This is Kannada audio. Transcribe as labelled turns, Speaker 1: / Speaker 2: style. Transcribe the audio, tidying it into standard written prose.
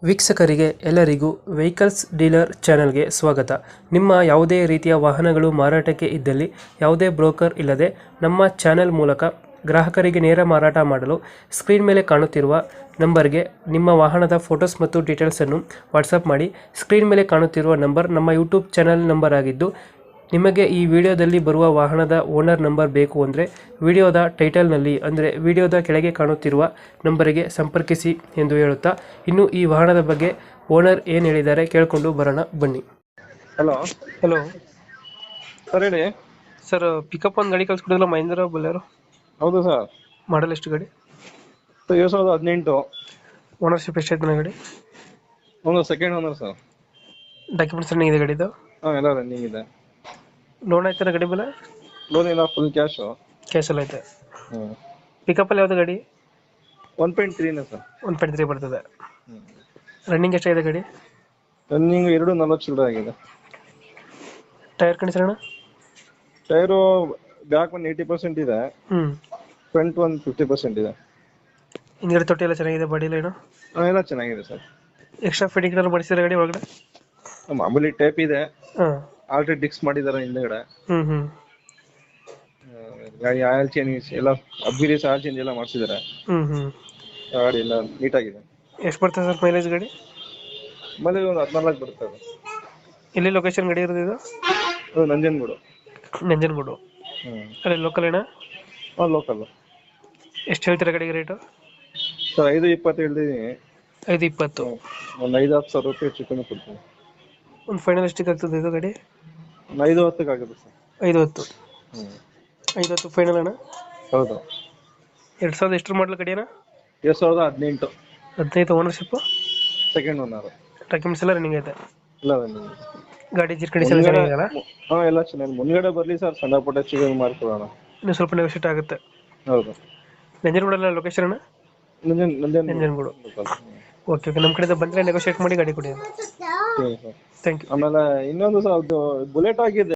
Speaker 1: ವೀಕ್ಷಕರಿಗೆ ಎಲ್ಲರಿಗೂ ವೆಹಿಕಲ್ಸ್ ಡೀಲರ್ ಚಾನೆಲ್ಗೆ ಸ್ವಾಗತ. ನಿಮ್ಮ ಯಾವುದೇ ರೀತಿಯ ವಾಹನಗಳು ಮಾರಾಟಕ್ಕೆ ಇದ್ದಲ್ಲಿ ಯಾವುದೇ ಬ್ರೋಕರ್ ಇಲ್ಲದೆ ನಮ್ಮ ಚಾನೆಲ್ ಮೂಲಕ ಗ್ರಾಹಕರಿಗೆ ನೇರ ಮಾರಾಟ ಮಾಡಲು ಸ್ಕ್ರೀನ್ ಮೇಲೆ ಕಾಣುತ್ತಿರುವ ನಂಬರ್ಗೆ ನಿಮ್ಮ ವಾಹನದ ಫೋಟೋಸ್ ಮತ್ತು ಡೀಟೇಲ್ಸನ್ನು ವಾಟ್ಸಪ್ ಮಾಡಿ. ಸ್ಕ್ರೀನ್ ಮೇಲೆ ಕಾಣುತ್ತಿರುವ ನಂಬರ್ ನಮ್ಮ ಯೂಟ್ಯೂಬ್ ಚಾನೆಲ್ ನಂಬರ್ ಆಗಿದ್ದು, ನಿಮಗೆ ಈ ವಿಡಿಯೋದಲ್ಲಿ ಬರುವ ವಾಹನದ ಓನರ್ ನಂಬರ್ ಬೇಕು ಅಂದರೆ ವಿಡಿಯೋದ ಟೈಟಲ್ನಲ್ಲಿ ಅಂದರೆ ವಿಡಿಯೋದ ಕೆಳಗೆ ಕಾಣುತ್ತಿರುವ ನಂಬರಿಗೆ ಸಂಪರ್ಕಿಸಿ ಎಂದು ಹೇಳುತ್ತಾ, ಇನ್ನು ಈ ವಾಹನದ ಬಗ್ಗೆ ಓನರ್ ಏನು ಹೇಳಿದ್ದಾರೆ ಕೇಳಿಕೊಂಡು ಬರೋಣ ಬನ್ನಿ.
Speaker 2: ಹಲೋ
Speaker 1: ಹಲೋ
Speaker 2: ಸರ್, ಹೇಳಿ.
Speaker 1: ಸರ್, ಪಿಕಪ್ ಒಂದು ಗಾಡಿ ಕಳಿಸ್ಕೊಡಿದ್ರಲ್ಲ, ಮಹೇಂದ್ರ ಬೊಲೆರೋ.
Speaker 2: ಹೌದು ಸರ್.
Speaker 1: ಮಾಡಲ್ ಎಷ್ಟು ಗಾಡಿ?
Speaker 2: 2018.
Speaker 1: ಓನರ್ಶಿಪ್ ಎಷ್ಟಾಯ್ತು ಗಾಡಿ?
Speaker 2: ಒಂದು second owner sir.
Speaker 1: Documents running ಇದೆ ಗಾಡಿದು?
Speaker 2: ಹಾಂ, ಎಲ್ಲ ರನ್ನಿಂಗ್ ಇದೆ.
Speaker 1: ಲೋನ್ ಆಯ್ತಾರ ಗಾಡಿ ಮೇಲೆ?
Speaker 2: ಲೋನ್ ಇಲ್ಲ, ಫುಲ್ ಕ್ಯಾಶು.
Speaker 1: ಕ್ಯಾಶ್ ಎಲ್ಲ ಐತೆ.
Speaker 2: ಹ್ಞೂ.
Speaker 1: ಪಿಕಪ್ಪಲ್ಲಿ ಯಾವುದು ಗಾಡಿ?
Speaker 2: 1.3 ಸರ್.
Speaker 1: 1.3 ಬರ್ತದೆ. ರನ್ನಿಂಗ್ ಎಷ್ಟಾಗಿದೆ ಗಾಡಿ?
Speaker 2: ರನ್ನಿಂಗ್ 2.40 ಚಿಲ್ಲರೆ ಆಗಿದೆ.
Speaker 1: ಟೈರ್ ಕಂಡೀಷನ್ ಅಣ್ಣ?
Speaker 2: ಟೈರು ಬ್ಯಾಕ್ ಒಂದು 80% ಇದೆ, ಫ್ರಂಟ್ ಒಂದು 50% ಇದೆ.
Speaker 1: ಹಿಂದ್ಗಡೆ ತೊಟ್ಟಿ ಎಲ್ಲ ಚೆನ್ನಾಗಿದೆ, ಬಾಡಿ ಲೈನು?
Speaker 2: ಹಾಂ, ಎಲ್ಲ ಚೆನ್ನಾಗಿದೆ ಸರ್.
Speaker 1: ಎಕ್ಸ್ಟ್ರಾ ಫಿಟ್ಟಿಂಗ್ ಏನಾದ್ರು ಮಾಡಿಸಿದ್ರೆ ಗಾಡಿ ಒಳಗಡೆ?
Speaker 2: ಮಾಮೂಲಿ ಟೇಪ್ ಇದೆ,
Speaker 1: ಹಾಂ.
Speaker 2: ಆಲ್ರೆಡಿ ಡಿಕ್ಸ್ ಮಾಡಿದ್ದಾರೆ ಹಿಂದೆಗಡೆ.
Speaker 1: ಹ್ಞೂ.
Speaker 2: ಗಾಡಿ ಆಯಿಲ್ ಚೇಂಜ್ ಎಲ್ಲ, ಅಬ್ಬಿರೀಸ್ ಆಯಿಲ್ ಚೇಂಜ್ ಎಲ್ಲ ಮಾಡಿಸಿದ್ದಾರೆ.
Speaker 1: ಹ್ಞೂ.
Speaker 2: ಗಾಡಿ ಎಲ್ಲ ನೀಟಾಗಿದೆ.
Speaker 1: ಎಷ್ಟು ಬರ್ತದೆ ಸರ್ ಮೈಲೇಜ್ ಗಾಡಿ?
Speaker 2: ಮನೇಲಿ ಒಂದು 14 ಬರುತ್ತೆ ಅದು.
Speaker 1: ಎಲ್ಲಿ ಲೊಕೇಶನ್ ಗಾಡಿ ಇರೋದು ಇದು?
Speaker 2: ಅದು ನಂಜನಗೂಡು.
Speaker 1: ನಂಜನಗೂಡು.
Speaker 2: ಹ್ಞೂ.
Speaker 1: ಅಲ್ಲಿ ಲೋಕಲ್ ಏನಾ?
Speaker 2: ಹಾಂ, ಲೋಕಲ್.
Speaker 1: ಎಷ್ಟು ಹೇಳ್ತೀರಾ ಗಾಡಿಗೆ ರೇಟು?
Speaker 2: ಸರ್, 5.20 ಹೇಳ್ತಿದ್ದೀನಿ.
Speaker 1: 5.20.
Speaker 2: ಒಂದು 5-10 ಸಾವಿರ ರೂಪಾಯಿ ಹೆಚ್ಚು ಕಮ್ಮಿ ಕೊಡ್ತೀನಿ.
Speaker 1: ಒಂದು ಫೈನಲ್ ಎಷ್ಟಿಗೆ ಆಗ್ತದೆ ಇದು ಗಾಡಿ?
Speaker 2: ಒಂದು 5-10 ಆಗುತ್ತೆ ಸರ್.
Speaker 1: 5.10.
Speaker 2: ಹ್ಞೂ.
Speaker 1: 5.10 ಫೈನಲ್ ಅಣ್ಣ?
Speaker 2: ಹೌದು.
Speaker 1: 2000 ಎಷ್ಟು ಮಾಡಲ್ ಗಾಡಿ ಅಣ್ಣ?
Speaker 2: 2018.
Speaker 1: 15 ಓನರ್ಶಿಪ್ಪು?
Speaker 2: Second owner.
Speaker 1: ಡಾಕ್ಯುಮೆಂಟ್ಸ್ ಎಲ್ಲ ರನ್ನಿಂಗ್ ಐತೆ?
Speaker 2: ಇಲ್ಲ ರನ್ನಿಂಗ್.
Speaker 1: ಗಾಡಿ ಜಿರ್ ಕಂಡೀಷನ್ ಚೆನ್ನಾಗಿದೆಯಲ್ಲ?
Speaker 2: ಹಾಂ, ಎಲ್ಲ ಚೆನ್ನಾಗಿ. ಮುಂದ್ಗಡೆ ಬರಲಿ ಸರ್, ಸಣ್ಣ ಪುಟ್ಟ ಚಿಕನ್ ಮಾಡ್ಕೊಡೋಣ.
Speaker 1: ಇನ್ನೂ ಸ್ವಲ್ಪ ನೆಗೋಷಿಯೇಟ್ ಆಗುತ್ತೆ.
Speaker 2: ಹೌದು.
Speaker 1: ನಂಜನಗೂಡಲ್ಲ ಲೊಕೇಶನ್ ಅಣ್ಣ? ನಂಜನಗೂಡು. ಓಕೆ, ನಮ್ಮ ಕಡೆಯಿಂದ ಬಂದರೆ ನೆಗೋಷಿಯೇಟ್ ಮಾಡಿ ಗಾಡಿ ಕೊಡಿ.
Speaker 2: ಸರಿ ಸರ್.
Speaker 1: Thank you.
Speaker 2: ಆಮೇಲೆ ಇನ್ನೊಂದು ಸರ್, ಅದು ಬುಲೆಟ್ ಆಗಿದೆ.